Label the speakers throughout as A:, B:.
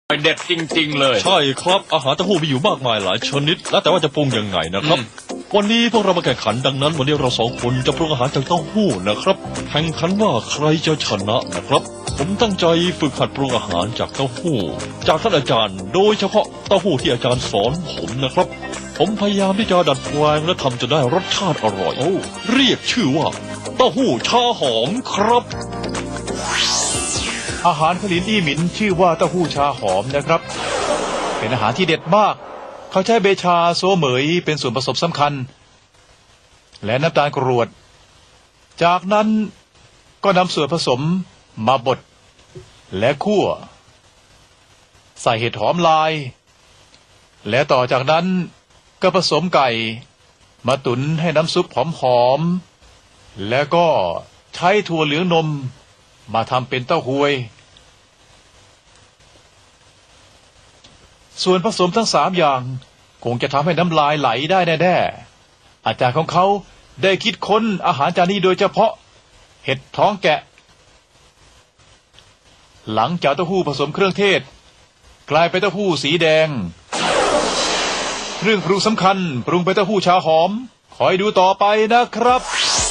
A: เด็ดจริงๆเลย
B: ใช่ครับอาหารเต้าหู้มีอยู่มากมายหลายชนิดแล้วแต่ว่าจะปรุงยังไงนะครับวันนี้พวกเรามาแข่งขันดังนั้นวันนี้เราสองคนจะปรุงอาหารจากเต้าหู้นะครับแข่งขันว่าใครจะชนะนะครับผมตั้งใจฝึกหัดปรุงอาหารจากเต้าหู้จากท่านอาจารย์โดยเฉพาะเต้าหู้ที่อาจารย์สอนผมนะครับผมพยายามที่จะดัดแปลงและทำจนได้รสชาติอร่อยเรียกชื่อว่าเต้าหู้ชาหอมครับ
C: อาหารขลินอี้หมินชื่อว่าเต้าหู้ชาหอมนะครับเป็นอาหารที่เด็ดมากเขาใช้เบชาโซเหมยเป็นส่วนผสมสำคัญและน้ำตาลกรวดจากนั้นก็นำส่วนผสมมาบดและคั่วใส่เห็ดหอมลายและต่อจากนั้นก็ผสมไก่มาตุ๋นให้น้ำซุปหอมๆแล้วก็ใช้ถั่วเหลืองนมมาทำเป็นเต้าหวยส่วนผสมทั้ง3อย่างคงจะทำให้น้ำลายไหลได้แน่ๆอาจารย์ของเขาได้คิดค้นอาหารจานนี้โดยเฉพาะเห็ดท้องแกะหลังจากเต้าหู้ผสมเครื่องเทศกลายเป็นเต้าหู้สีแดงเครื่องปรุงสำคัญปรุงเป็นเต้าหู้ชาหอมคอยดูต่อไปนะครับ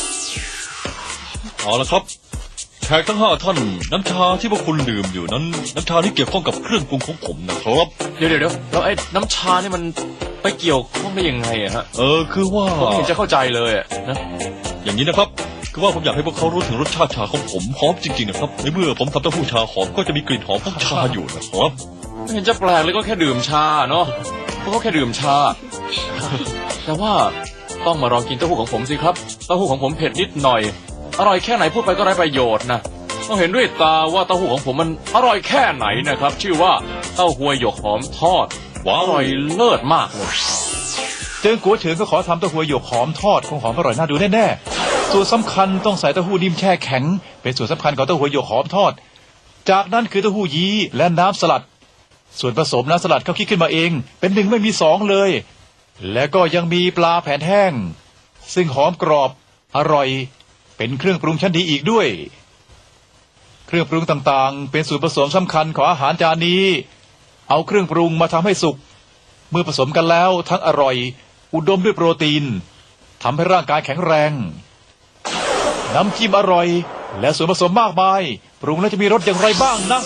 B: เอาละครับแขกทั้ง5ท่านน้ำชาที่พวกคุณดื่มอยู่นั้นน้ำชาที่เกี่ยวข้องกับเครื่องปรุงของผมนะครับ
A: เดี๋ยวแล้วไอ้น้ำชานี่มันไปเกี่ยวข้องได้ยังไงอะฮะ
B: คือว่า
A: ผมไม่เห็นจะเข้าใจเลยนะ
B: อย่างนี้นะครับคือว่าผมอยากให้พวกเขารู้ถึงรสชาติชาของผมหอมจริงๆนะครับในเมื่อผมทำเต้าหู้ชาหอมก็จะมีกลิ่นหอมของชาอยู่นะครับ
A: ไม่เห็นจะแปลกเลยก็แค่ดื่มชาเนาะก็แค่ดื่มชาแต่ว่าต้องมาลองกินเต้าหู้ของผมสิครับเต้าหู้ของผมเผ็ดนิดหน่อยอร่อยแค่ไหนพูดไปก็ไร้ประโยชน์นะต้องเห็นด้วยตาว่าเต้าหู้ของผมมันอร่อยแค่ไหนนะครับชื่อว่าเต้าหวยหยกหอมทอดอร่อยเลิศมากเลย
C: เจิงกัวเฉิงก็ขอทำเต้าหวยหยกหอมทอดคงหอมอร่อยน่าดูแน่ๆส่วนสำคัญต้องใส่เต้าหู้นิ่มแช่แข็งเป็นส่วนสำคัญของเต้าหวยหยกหอมทอดจากนั้นคือเต้าหู้ยี้และน้ำสลัดส่วนผสมน้ำสลัดเขาคิดขึ้นมาเองเป็น1ไม่มี2เลยและก็ยังมีปลาแผ่นแห้งซึ่งหอมกรอบอร่อยเป็นเครื่องปรุงชั้นดีอีกด้วยเครื่องปรุงต่างๆเป็นส่วนผสมสำคัญของอาหารจานนี้เอาเครื่องปรุงมาทำให้สุกเมื่อผสมกันแล้วทั้งอร่อยอุดมด้วยโปรตีนทำให้ร่างกายแข็งแรงน้ำจิ้มอร่อยและส่วนผสมมากมายปรุงแล้วจะมีรสอย่างไรบ้างนะ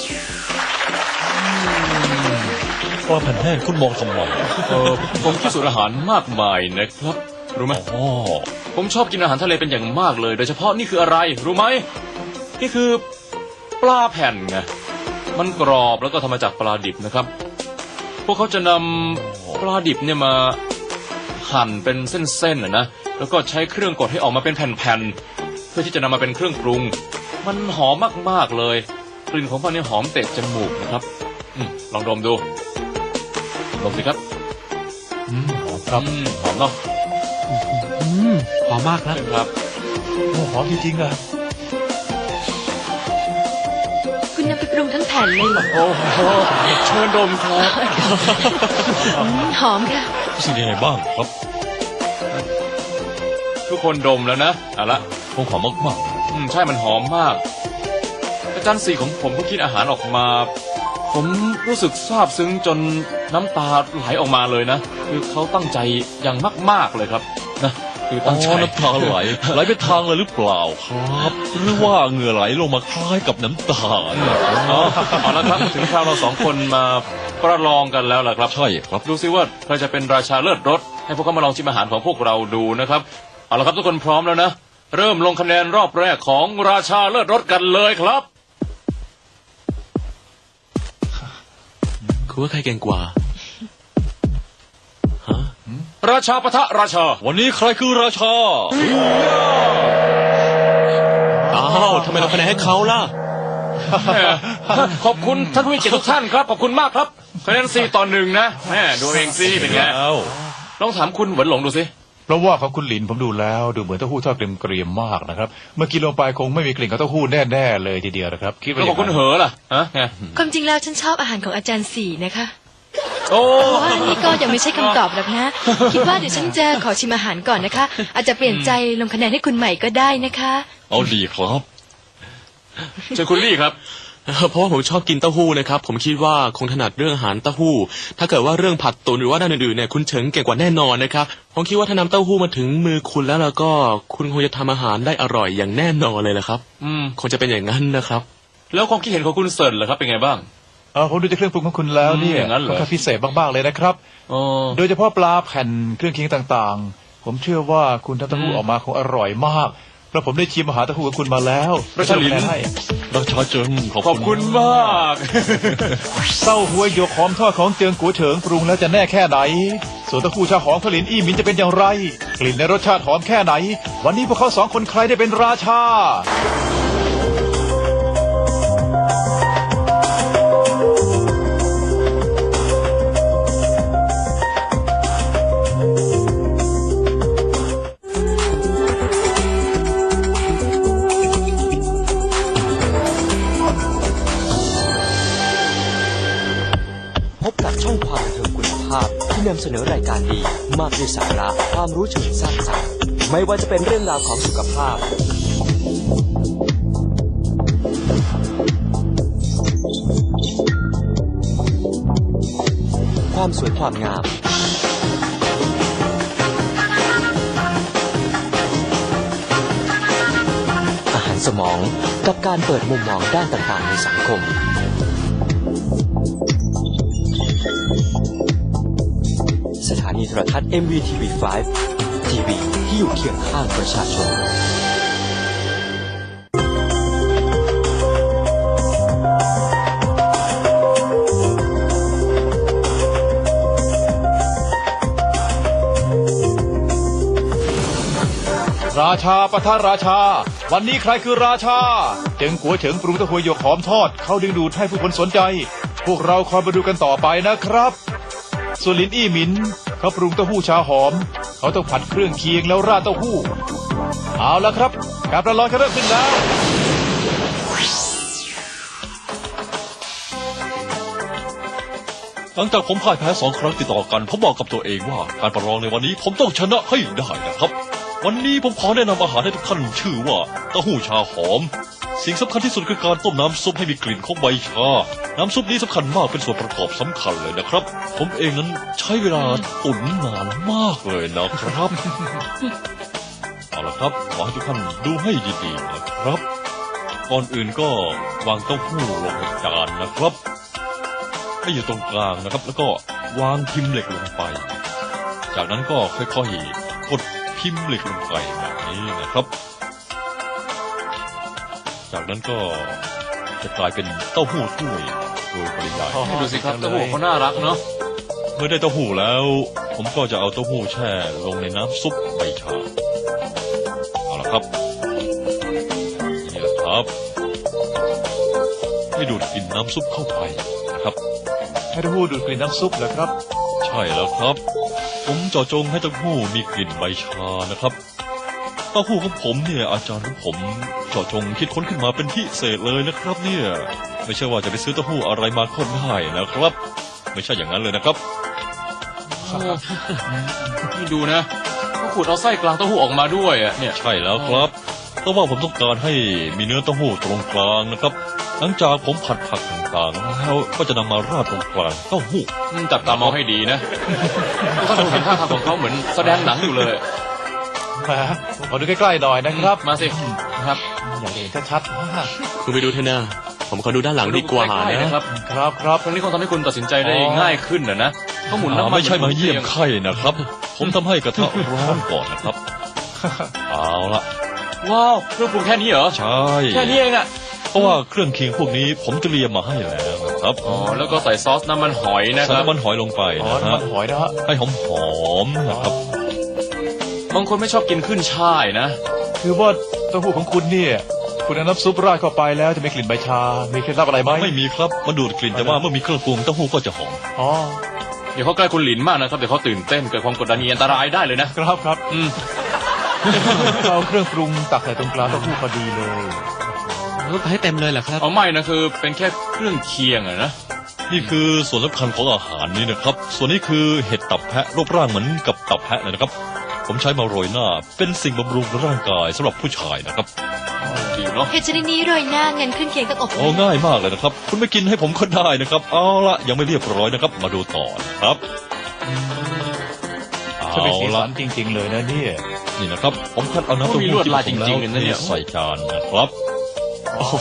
B: ปลาแผ่นแห้งคุณมองทำไม
A: ผมคิดสูตรอาหารมากมายนะครับรู้ไหมผมชอบกินอาหารทะเลเป็นอย่างมากเลยโดยเฉพาะนี่คืออะไรรู้ไหมนี่คือปลาแผ่นไงมันกรอบแล้วก็ทำมาจากปลาดิบนะครับพวกเขาจะนำปลาดิบเนี่ยมาหั่นเป็นเส้นๆนะแล้วก็ใช้เครื่องกดให้ออกมาเป็นแผ่นๆเพื่อที่จะนำมาเป็นเครื่องปรุงมันหอมมากๆเลยกลิ่นของมันเนี่ยหอมเตะจมูกนะครับลองดมดูดมสิครับ
C: หอมครับ
A: หอมเนาะ
D: หอมมากนะครับ
C: หอมจริงๆอะ
E: คุณนำไปปรุงทั้งแผ่นเลยเหรอ
A: โอ้โหเชิญดมครับ
E: หอมค่ะ
B: รู้สึกยังไงบ้างครับ
A: ทุกคนดมแล้วนะเอาละ
B: คงหอมมาก
A: ๆใช่มันหอมมากอาจารย์สีของผมก็คิดอาหารออกมาผมรู้สึกซาบซึ้งจนน้ำตาไหลออกมาเลยนะคือเขาตั้งใจอย่างมากๆเลยครับนะคือตั้งใจ
B: น้ำตาไหลไปทางเลยหรือเปล่าครับหรือว่าเหงื่อไหลลงมาคล้ายกับน้ำตา
A: เอาละครับถึงคราวเราสองคนมาประลองกันแล้วล่ะครับ
B: ใช่ครับ
A: ดูซิว่าใครจะเป็นราชาเลิศรสให้พวกเขามาลองชิมอาหารของพวกเราดูนะครับเอาละครับทุกคนพร้อมแล้วนะเริ่มลงคะแนนรอบแรกของราชาเลิศรสกันเลยครับ
D: คือว่าใครเก่งกว่า
A: ราชาปะทะราชา
B: วันนี้ใครคือราชา
D: อ้าวทำไมเราคะแนนให้เขาล่ะ
A: ขอบคุณท่านผู้มีเกียรติทุกท่านครับขอบคุณมากครับคะแนน4-1นะแม่ดูเองสิเป็นไงลองถามคุณหวนหลงดูสิ
C: เพราะว่าของคุณหลินผมดูแล้วดูเหมือนเต้าหู้ทอดเกรียมๆมากนะครับเมื่อกินลงไปคงไม่มีกลิ่นของเต้าหู้แน่ๆเลยทีเดียวนะครับคิดว่า
A: ของคุณเหอล่ะ
E: ความจริงแล้วฉันชอบอาหารของอาจารย์สีนะคะ
A: โอ้
E: ว่านี่ก็ยังไม่ใช่คำตอบหรอกนะคิดว่าเดี๋ยวฉันจะขอชิมอาหารก่อนนะคะอาจจะเปลี่ยนใจลงคะแนนให้คุณใหม่ก็ได้นะคะ
B: เอาดีครับ
A: เชิญคุณลี่ครับ
D: เพราะว่าผมชอบกินเต้าหู้นะครับ ผมคิดว่าคงถนัดเรื่องอาหารเต้าหู้ ถ้าเกิดว่าเรื่องผัดตุ๋นหรือว่าด้านอื่นๆเนี่ยคุณเฉิงเก่งกว่าแน่นอนนะครับ ผมคิดว่าถ้านำเต้าหู้มาถึงมือคุณแล้วก็คุณคงจะทำอาหารได้อร่อยอย่างแน่นอนเลยละครับ คงจะเป็นอย่างนั้นนะครับ
A: แล้วความคิดเห็นของคุณเซิร์นล่ะครับเป็นไงบ้าง
C: ผมดูจากเครื่องปรุงของคุณแล้วเนี่ย
A: อย่างนั้นเหรอ
C: ค่อนข้างพิเศษมากๆเลยนะครับ
A: อ๋อ
C: โดยเฉพาะปลาแผ่นเครื่องเคียงต่างๆ ผมเชื่อว่าคุณทำเต้าหู้ออกมาคงอร่อยมากเพราะผมได้ชิมอาหารเต้าหู้ของคุณมาแล้ว
A: ประชาลิน
C: ให้
B: ราชาเจิงขอบ
A: ขอบคุณมาก
C: เต้าหู้หยกหอมทอดของเจิงกัวเฉิงปรุงแล้วจะแน่แค่ไหน ส่วนเต้าหู้ชาหอมขลินอี้หมินจะเป็นอย่างไร กลิ่นและรสชาติหอมแค่ไหน วันนี้พวกเขาสองคนใครได้เป็นราชา
F: พบกับช่องความบันเทิงคุณภาพที่นำเสนอรายการดีมากด้วยสาระความรู้เชิงสร้างสรรค์ไม่ว่าจะเป็นเรื่องราวของสุขภาพ ความสวยความงาม อาหารสมองกับการเปิดมุมมองด้านต่างๆในสังคม สถานีโทรทัศน์ MVTV5 ทีวีที่อยู่เคียงข้างประชาชน
C: ราชาปะทะราชา วันนี้ใครคือราชาเจิงกัวเฉิงปรุงเต้าหู้หยกหอมทอดเขาดึงดูดให้ผู้คนสนใจ พวกเราคอยมาดูกันต่อไปนะครับส่วนลินอี้หมินเขาปรุงเต้าหู้ชาหอม เขาต้องผัดเครื่องเคียงแล้วราดเต้าหู้เอาละครับการประลองจะเริ่มขึ้นแล้ว
B: หลังจากผมพ่ายแพ้2 ครั้งติดต่อกัน ผมบอกกับตัวเองว่าการประลองในวันนี้ผมต้องชนะให้ได้นะครับ วันนี้ผมขอแนะนำอาหารให้ทุกท่านชื่อว่าเต้าหู้ชาหอม สิ่งสำคัญที่สุดคือการต้มน้ำซุปให้มีกลิ่นของใบชา น้ำซุปนี้สำคัญมากเป็นส่วนประกอบสำคัญเลยนะครับ ผมเองนั้นใช้เวลาตุ๋นนานมากเลยนะครับ เอาละครับขอให้ทุกท่านดูให้ดีๆนะครับ ก่อนอื่นก็วางเต้าหู้ลงในจานนะครับให้อยู่ตรงกลางนะครับ แล้วก็วางพิมพ์เหล็กลงไป จากนั้นก็ค่อยๆกดพิมพ์เหล็กลงไปแบบนี้นะครับ จากนั้นก็จะกลายเป็นเต้าหู้ถ้วยโดยปริยาย
A: ดูสิครับเต้าหู้เขาน่ารักเนาะ
B: เมื่อได้เต้าหู้แล้ว ผมก็จะเอาเต้าหู้แช่ลงในน้ำซุปใบชาเอาละครับนี่แหละครับให้ดูดกลิ่นน้ำซุปเข้าไปนะครับ
C: ให้เต้าหู้ดูดกลิ่นน้ำซุปเหรอครับ
B: ใช่แล้วครับ ผมเจาะจงให้เต้าหู้มีกลิ่นใบชานะครับเต้าหู้ของผมเนี่ยอาจารย์ของผมเจาะจงคิดค้นขึ้นมาเป็นพิเศษเลยนะครับเนี่ยไม่ใช่ว่าจะไปซื้อเต้าหู้อะไรมาก็ได้นะครับ ไม่ใช่อย่างนั้นเลยนะครับ
A: นี่ดูนะเขาขูดเอาไส้กลางเต้าหู้ออกมาด้วยอ่ะเนี่ย
B: ใช่แล้วครับเพราะว่าผมต้องการให้มีเนื้อเต้าหู้ตรงกลางนะครับ หลังจากผมผัดผักต่างๆแล้วก็จะนำมาราดตรงกลางเต้าหู้
A: จับตามองให้ดีนะท่านเห็นท่าทางของเขาเหมือนแสดงหนังอยู่เลย
C: แหมขอดูใกล้ๆหน่อยนะครับ
A: มาสิครับ
C: อยากเห็นชัดๆมาก
D: คุณไปดูเถอะนะผมขอดูด้านหลังดีกว่า
A: ใล้ๆ
D: นะ
A: นะครับ
C: ครับครับ
A: ครั้งนี้คงทำให้คุณตัดสินใจได้ง่ายขึ้นนะเขาหมุนน้ำมัน
B: ไม่ใช่มาเยี่ยมไข่นะครับ ผมทำให้กระทะร้อนก่อนนะครับ เอาละ
A: ว้าวเครื่องปรุงแค่นี้เหรอ
B: ใช่
A: แค่นี้เองอ่ะ
B: เพราะว่าเครื่องเคียงพวกนี้ผมเตรียมมาให้แล้วนะครับ
A: อ๋อแล้วก็ใส่ซอสน้ำมันหอยนะค
B: ใส่
A: รับ
B: น้ำมันหอยลงไป
C: อ๋อ
B: นะ
C: น้ำ
B: ฮะ
C: มันหอยนะฮะ
B: ให้หอมๆนะครับ
A: บางคนไม่ชอบกินขึ้นช่ายนะ
C: คือว่าเต้าหู้ของคุณเนี่ย คุณเอาน้ำซุปราดเข้าไปแล้วจะมีกลิ่นใบชา มีเคล็ดลับอะไรไหม
B: ไม่มีครับมันดูดกลิ่นแต่ว่าเมื่อมีเครื่องปรุงเต้าหู้ก็จะหอม
C: อ๋อ
A: เดี๋ยวเขาใกล้คุณหลินมากนะครับเดี๋ยวเขาตื่นเต้นเกิดความกดดันมีอันตรายได้เลยนะครับ
C: ครับ
A: อืม
C: เอาเครื่องปรุงตักใส่ตรงกลางเต้าหู้พอดีเลย
D: รถให้เต็มเลยเหรอครับ
A: เอาไม่นะคือเป็นแค่เครื่องเคียงอะนะ
B: นี่คือส่วนสำคัญของอาหารนี้นะครับ ส่วนนี้คือเห็ดตับแพะรูปร่างเหมือนกับตับแพะเลยนะครับ ผมใช้มาโรยหน้า เป็นสิ่งบำรุงร่างกายสำหรับผู้ชายนะครับ
A: ดีเนาะ
E: เห็ดชนิดนี้โรยหน้างั้นเครื่องเคียงต้องอบ
B: โอ้ง่ายมากเลยนะครับ คุณไม่กินให้ผมก็ได้นะครับ เอาละยังไม่เรียบร้อยนะครับ มาดูต่อนะครับ
C: จะเป็นสี
B: เอา
C: สั
B: ละ
C: นจริง ๆ เลยนะเนี่ย
B: นี่นะครับ ผมคัดเอาน้ำเต้า
A: มี
B: หู้
A: ลวด
B: ที่
A: ลาย
B: ผ
A: จ
B: สม
A: ริงๆ
B: แล้ว
A: นะเนี่ย
B: ใส่จานนะครับ
D: โอ้โห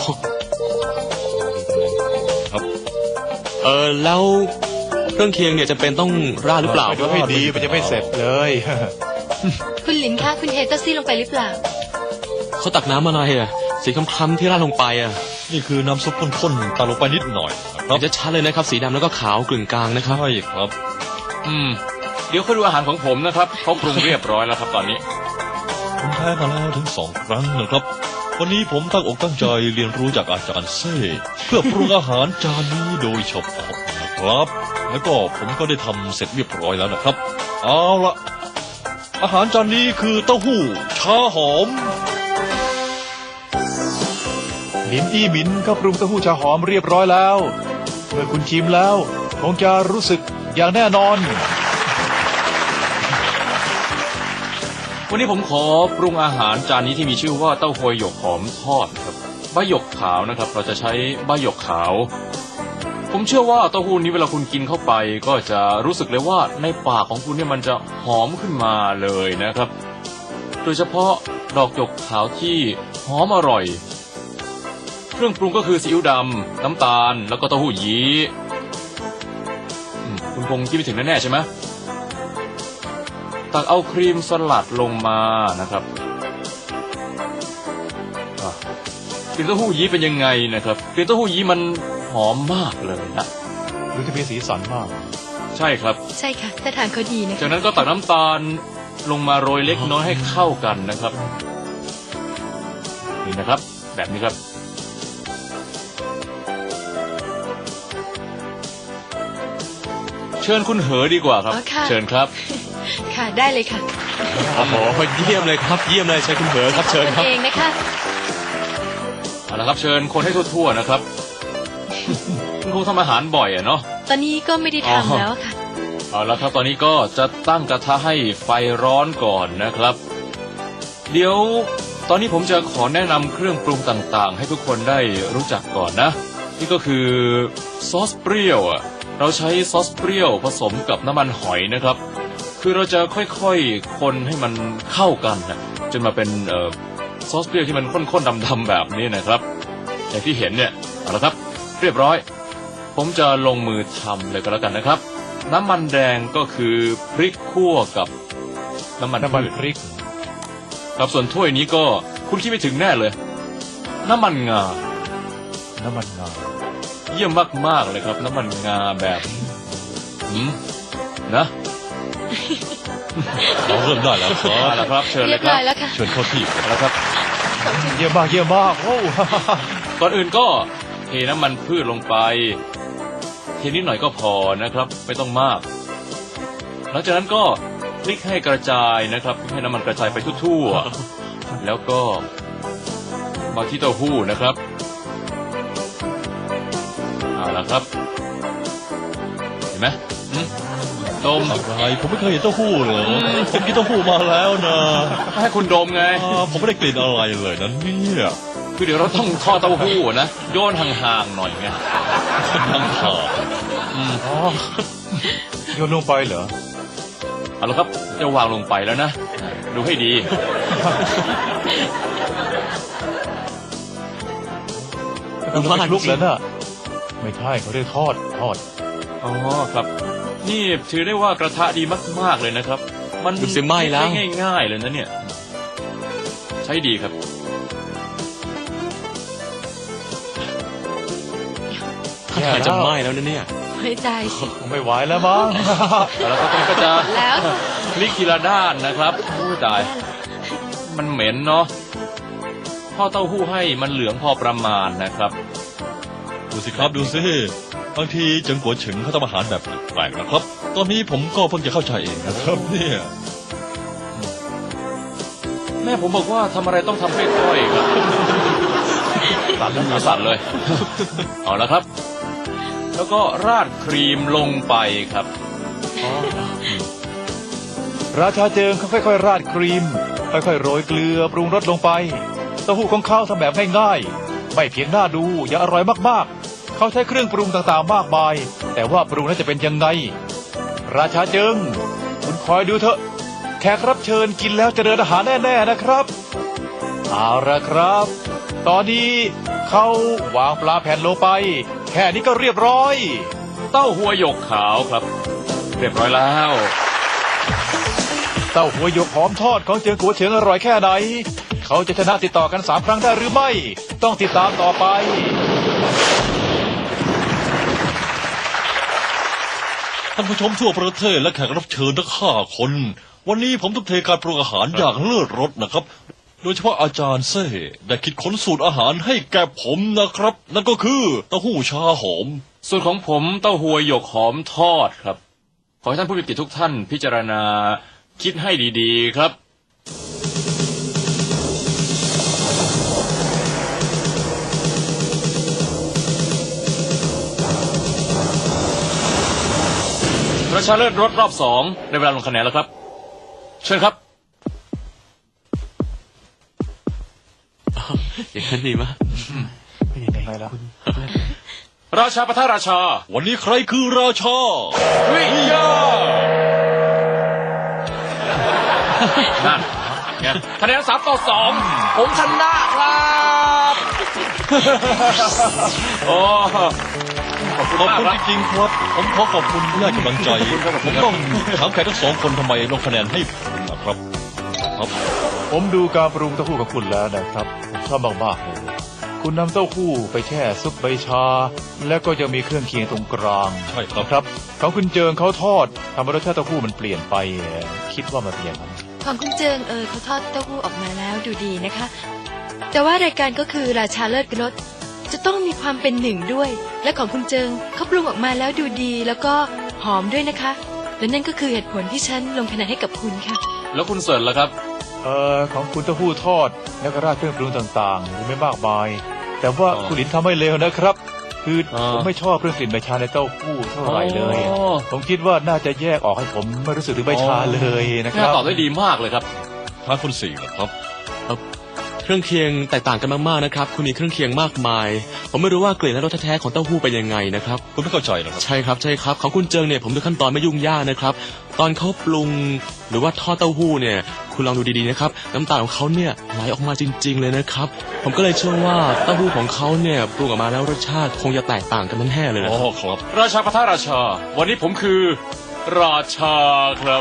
B: ครับ
D: แล้วเครื่องเคียงเนี่ยจะเป็นต้องราดหรือเปล่า
C: ไปดูให้ดีมันจะไม่เสร็จเลย
E: คุณหลินคะคุณเทเต้าซี่ลงไปหรือเปล่า
D: เขาตักน้ำอะไรอ่ะสีคล้ำๆที่ราดลงไปอ่ะ
B: นี่คือน้ำซุปข้นๆตามลงไปนิดหน่อยนะครับ
D: จะชัดเลยนะครับสีดำแล้วก็ขาวกึ่งกลางนะครับ
B: ใช่ครับ
A: เดี๋ยวค่อยดูอาหารของผมนะครับเขาปรุงเรียบร้อยแล้วครับตอนนี้
B: ผมแพ้มาแล้วถึง2 ครั้งนะครับ วันนี้ผมตั้งอกตั้งใจเรียนรู้จากอาจารย์เซ่เพื่อปรุงอาหารจานนี้โดยเฉพาะนะครับ แล้วก็ผมก็ได้ทำเสร็จเรียบร้อยแล้วนะครับ เอาละอาหารจานนี้คือเต้าหู้ชาหอม
C: ลินอี้หมินก็ปรุงเต้าหู้ชาหอมเรียบร้อยแล้ว เมื่อคุณชิมแล้วคงจะรู้สึกอย่างแน่นอน
A: วันนี้ผมขอปรุงอาหารจานนี้ที่มีชื่อว่าเต้าหวยหยกหอมทอดครับใบหยกขาวนะครับ เราจะใช้ใบหยกขาว ผมเชื่อว่าเต้าหู้นี้เวลาคุณกินเข้าไป ก็จะรู้สึกเลยว่าในปากของคุณเนี่ยมันจะหอมขึ้นมาเลยนะครับ โดยเฉพาะดอกหยกขาวที่หอมอร่อย เครื่องปรุงก็คือซีอิ๊วดำน้ำตาลแล้วก็เต้าหู้ยี้คุณคงคิดไม่ถึงแน่ๆใช่ไหมตักเอาครีมสลัดลงมานะครับกลิ่นเต้าหู้ยี้เป็นยังไงนะครับกลิ่นเต้าหู้ยี้มันหอมมากเลยนะ
C: ดูจะมีสีสันมาก
A: ใช่ครับ
E: ใช่ค่ะถ้าทางเขาดีนะ
A: จาก
E: คะ
A: นั้นก็ตักน้ำตาลลงมาโรยเล็กน้อยให้เข้ากันนะครับนี่นะครับ แบบนี้ครับ เชิญคุณเหอดีกว่าครับ
E: อ๋อค่ะ
A: เชิญครับ
E: ค่ะได้เลยค่ะ
D: โอ้โหเยี่ยมเลยครับ เยี่ยมเลยใช้คุณเหอครับเชิญครับ
E: เองนะคะ
A: เอาละครับเชิญคนให้ทั่วๆนะครับ คุณคงทำอาหารบ่อยอะเนาะ
E: ตอนนี้ก็ไม่ได้ทำแล้วค่ะ
A: เอาละครับตอนนี้ก็จะตั้งกระทะให้ไฟร้อนก่อนนะครับ เดี๋ยวตอนนี้ผมจะขอแนะนำเครื่องปรุงต่างๆ ให้ทุกคนได้รู้จักก่อนนะ นี่ก็คือซอสเปรี้ยวอะเราใช้ซอสเปรี้ยวผสมกับน้ำมันหอยนะครับ คือเราจะค่อยๆคนให้มันเข้ากันนะจนมาเป็นซอสเปรี้ยวที่มันข้นๆดำๆแบบนี้นะครับอย่างที่เห็นเนี่ยเอาละครับ เรียบร้อย ผมจะลงมือทำเลยก็แล้วกันนะครับ น้ำมันแดงก็คือพริกคั่วกับน้ำมัน
C: น้ำมัน
A: พืช
C: พริก
A: ครับส่วนถ้วยนี้ก็คุณคิดไม่ถึงแน่เลย น้ำมันงา
C: น้ำมันงา
A: เยี่ยมมากๆเลยครับ น้ำมันงาแบบนะ
B: เราเริ่มได้แล้วครั
A: เอา
B: บ
A: ละครับ เชิญ
E: เรี
A: เลย ย
E: บ
A: ค
E: ร้
A: รั
E: อบ ยแล้วค่ะ
B: เชิญเข้าที่
A: เอาละครับ
C: เยี่ยมมากเยี่ยมมากโอ้
A: ก่อนอื่นก็เทน้ำมันพืชลงไปเทนิดหน่อยก็พอนะครับ ไม่ต้องมาก หลังจากนั้นก็พลิกให้กระจายนะครับให้น้ำมันกระจายไปทั่วๆแล้วก็มาที่เต้าหู้นะครับเอาละครับ เห็นไหมดม
B: อะไรผมไม่เคยเห็นเต้าหู้เลยผมกินเต้าหู้มาแล้วนะ
A: ให้คุณดมไง
B: ผมไม่ได้กลิ่นอะไรเลยนะเนี่ย
A: คือเดี๋ยวเราต้องทอดเต้าหู้นะโยนห่างๆหน่อยไง
B: นั่งขา
C: อ๋อโยนลงไปเหรอ
A: เอาละครับจะวางลงไปแล้วนะ ดูให้ดี
C: มันไม่ลุกแล้วน่ะไม่ใช่เขาเรียกทอด
A: อ๋อครับ นี่ถือได้ว่ากระทะดีมากๆเลยนะครับ มัน
D: ดูสิไหม้แล้ว
A: ใช้ง่ายๆเลยนะเนี่ย ใช้ดีครับ
D: ถ้าทางจะไหม้แล้วนะเนี่ย
E: ไม่ใจสิ
C: คงไม่ไหวแล้วมั้ง
A: แล้วก็ต้องก็จะ
E: แล้ว
A: พลิกทีละด้านนะครับอู้ตาย มันเหม็นเนาะทอดเต้าหู้ให้มันเหลืองพอประมาณนะครับ
B: ดูสิครับดูสิบางทีเจังกัวเฉิงเขาทำอาหารแบบแปลกๆนะครับ ตอนนี้ผมก็เพิ่งจะเข้าใจเองนะครับเนี่ย
A: แม่ผมบอกว่าทำอะไรต้องทำค่อยๆครับ สั่นแล้วสั่นเลย เอาละครับ แล้วก็ราดครีมลงไปครับ
C: ราชาเจิงเขาค่อยๆราดครีม ค่อยๆโรยเกลือปรุงรสลงไป ตต้าหู้ของเขาทำแบบง่ายๆไม่เพียงน่าดูยังอร่อยมากๆเขาใช้เครื่องปรุงต่างๆมากมาย แต่ว่าปรุงนั้นจะเป็นยังไงราชาเจิงคุณคอยดูเถอะแขกรับเชิญกินแล้วจะเดินอาหารแน่ๆนะครับเอาละครับ ตอนนี้เขาวางปลาแผ่นลงไป แค่นี้ก็เรียบร้อย
A: เต้าหัวหยกขาวครับ เรียบร้อยแล้ว
C: เต้าหัวหยกหอมทอดของเจียงกัวเฉิงอร่อยแค่ไหน เขาจะชนะติดต่อกัน3 ครั้งได้หรือไม่ ต้องติดตามต่อไป
B: ท่านผู้ชมทั่วประเทศและแขกรับเชิญทั้ง5 คน วันนี้ผมต้องเทการปรุงอาหารอย่างเลิศรสนะครับ โดยเฉพาะอาจารย์เซ่ได้คิดค้นสูตรอาหารให้แก่ผมนะครับ นั่นก็คือเต้าหู้ชาหอม
A: ส่วนของผมเต้าหัวหยกหอมทอดครับ ขอให้ท่านผู้มีเกียรติทุกท่านพิจารณาคิดให้ดีๆครับ ประชาเลิศรถรอบ2ในเวลาลงคะแนนแล้วครับ เชิญครับ
D: อย่างนั้นดีมาก
A: ราชาปะทะราชา
B: วันนี้ใครคือราชา
A: วิยานั่นไงคะแนน3-2ผมชนะครับโอ้ขอบคุณ
B: ขอบ
A: มาก
B: คุณ
A: ครับ
B: จริงๆครับ ผมขอขอบคุณที่ให้กำลังใจ ผมต้องถามแขกทั้ง2 คนทำไมลงคะแนนให้ผมนะครับ ครับ
C: ผมดูการปรุงเต้าหู้ของคุณแล้วนะครับผมชอบมากๆเลยคุณนำเต้าหู้ไปแช่ซุปใบชา แล้วก็ยังมีเครื่องเคียงตรงกลาง
B: ใช่ครับ
C: ครับของคุณเจิงเขาทอดทำให้รสชาติเต้าหู้มันเปลี่ยนไปคิดว่ามันเป็นอย่างนั้น
E: ของคุณเจิงเขาทอดเต้าหู้ออกมาแล้วดูดีนะคะ แต่ว่ารายการก็คือราชาเลิศรสจะต้องมีความเป็นหนึ่งด้วย และของคุณเจิงเขาปรุงออกมาแล้วดูดีแล้วก็หอมด้วยนะคะ และนั่นก็คือเหตุผลที่ฉันลงคะแนนให้กับคุณค่ะ
A: แล้วคุณเสิร์ชล่ะครับ
C: ของคุณเต้าหู้ทอดแล้วก็ราดเครื่องปรุงต่างๆดูไม่มากมาย แต่ว่าคุณหลินทำไม่เลวนะครับ คือผมไม่ชอบเรื่องกลิ่นใบชาในเต้าหู้เท่าไหร่เลย
A: อ๋อ
C: ผมคิดว่าน่าจะแยกออกให้ผมไม่รู้สึกถึงใบชาเลยนะค
A: น่า
C: รับ
A: ตอบได้ดีมากเลยครับ
B: ทางคุณ4นะครับ
D: เครื่องเคียงแตกต่างกันมากๆนะครับ คุณมีเครื่องเคียงมากมาย ผมไม่รู้ว่ากลิ่นและรสแท้ๆของเต้าหู้เป็นยังไงนะครับ
B: คุณไม่เข้าใจนะครับ
D: ใช่ครับใช่ครับของคุณเจิงเนี่ยผมดูขั้นตอนไม่ยุ่งยากนะครับ ตอนเขาปรุงหรือว่าทอดเต้าหู้เนี่ย คุณลองดูดีๆนะครับน้ำตาลของเขาเนี่ยไหลออกมาจริง ๆเลยนะครับ ผมก็เลยเชื่อว่าเต้าหู้ของเขาเนี่ยปรุงออกมาแล้วรสชาติคงจะแตกต่างกันแน่ๆเลยนะ
B: อ๋
D: ครับ
B: อครับ
A: ราชาปะทะราชา วันนี้ผมคือ ราชาครับ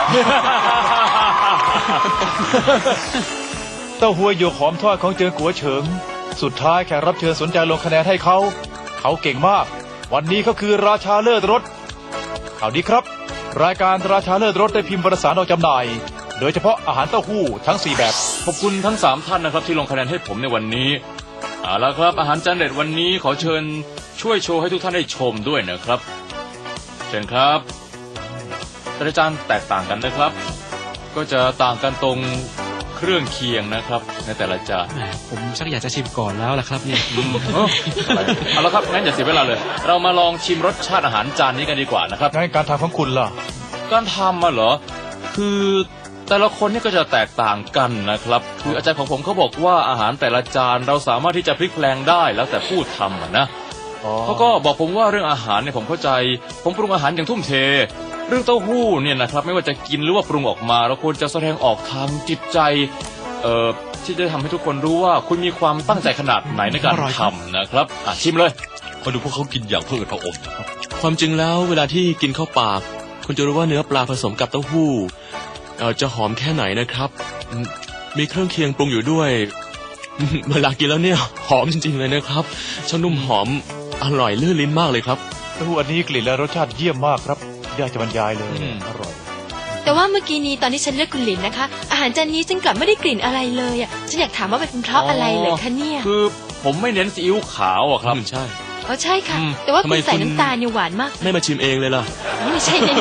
C: เต้าหู้หยวกหอมทอดของเจิงกัวเฉิง สุดท้ายแขกรับเชิญสนใจลงคะแนนให้เขา เขาเก่งมาก วันนี้เขาคือราชาเลิศรสข่าวดีครับ รายการราชาเลิศรสได้พิมพ์วารสารออกจำหน่าย โดยเฉพาะอาหารเต้าหู้ทั้ง 4 แบบ
A: ขอบคุณทั้ง3ท่านนะครับที่ลงคะแนนให้ผมในวันนี้เอาละครับ อาหารจานเด็ดวันนี้ขอเชิญช่วยโชว์ให้ทุกท่านได้ชมด้วยนะครับ เชิญครับแต่ละจานแตกต่างกันนะครับ ก็จะต่างกันตรงเครื่องเคียงนะครับ ในแต่ละจาน
G: แหมผมชักอยากจะชิมก่อนแล้วล่ะครับเนี่ย
A: เอาละครับงั้นอย่าเสียเวลาเลย เรามาลองชิมรสชาติอาหารจานนี้กันดีกว่านะครับ
C: งั้นการทำของคุณล่ะ
A: การทำมาเหรอ คือแต่ละคนเนี่ยก็จะแตกต่างกันนะครับ คืออาจารย์ของผมเขาบอกว่าอาหารแต่ละจานเราสามารถที่จะพลิกแปลงได้แล้วแต่ผู้ทำอะนะเขาก็บอกผมว่าเรื่องอาหารเนี่ยผมเข้าใจ ผมปรุงอาหารอย่างทุ่มเท เรื่องเต้าหู้เนี่ยนะครับไม่ว่าจะกินหรือว่าปรุงออกมาเราควรจะแสดงออกทางจิตใจ ที่จะทำให้ทุกคนรู้ว่าคุณมีความตั้งใจขนาดไหนในการ
G: อร่อยครับ
A: ทำนะครับชิมเลย
B: มาดูพวกเขากินอย่างเพื่อพระองค์นะครับ
D: ความจริงแล้วเวลาที่กินเข้าปาก คุณจะรู้ว่าเนื้อปลาผสมกับเต้าหู้จะหอมแค่ไหนนะครับมีเครื่องเคียงปรุงอยู่ด้วย เวลากินแล้วเนี่ยหอมจริงๆเลยนะครับช่างนุ่มหอมอร่อยลื่นลิ้นมากเลยครับ
C: เต้าหู้อันนี้กลิ่นและรสชาติเยี่ยมมากครับยากจะบรรยายเลย อร่อย
E: แต่ว่าเมื่อกี้นี้ตอนที่ฉันเลือกคุณหลินนะคะ อาหารจานนี้ฉันกลับไม่ได้กลิ่นอะไรเลยอ่ะฉันอยากถามว่าเป็นเพราะอะไรเหรอคะเนี่ย
A: คือผมไม่เน้นซีอิ๊วขาวอะครับ
D: ใช่
E: อ๋อใช่ค่ะ
A: อืม
E: แต่ว่า
D: ทำ
E: คุ
D: ไม
E: ณใส่
D: คุณ
E: น้ำตาลเนี่ยหวานมาก
D: ไม่มาชิมเองเลยล่ะ
E: ไม่ใช่แน่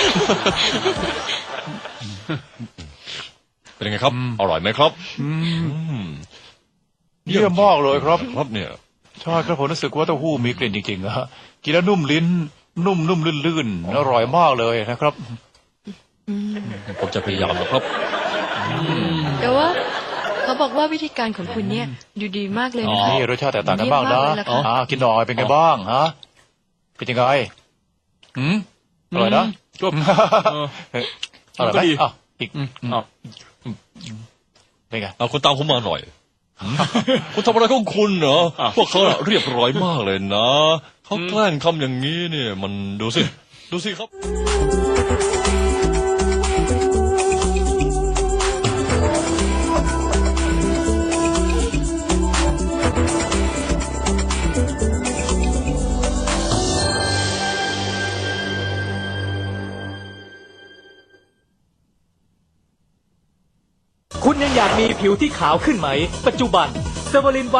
B: เป็นยังไงครับ อร่อยไหมครับ
C: เยี่ยมมากเลยครับ
B: ครับเนี่ย
C: ใช่ครับผมรู้สึกว่าเต้าหู้มีกลิ่นจริงๆนะกินแล้วนุ่มลิ้น นุ่มๆลื่นๆอร่อยมากเลยนะครับ
E: ๆอืม
B: ผมจะพยายามนะครับ
E: แต่ว่าขเขาบอกว่าวิธีการของคุณเนี่ยดูดีมากเลยนะคะ
C: นี่รสชาติแตกต่างกันบ้างนะ
E: เยี่ยมมากเลยล่ะค่ะ
C: กินหน่อยเป็นไงบ้างฮะเป็นยังไงอร่อยนะ
A: ก็
C: อร่อยไหม
A: ก็ดี
C: อ้าวอีก
A: อ้าว
C: เป็นไง
B: เอาคุณตามผมมาหน่อย คุณทำอะไรของคุณเหรอพวกเขาน่ะเรียบร้อยมากเลยนะเขาแกล้งทำอย่างนี้เนี่ย มันดูสิครับ
H: คุณยังอยากมีผิวที่ขาวขึ้นไหม ปัจจุบันเซเวอริน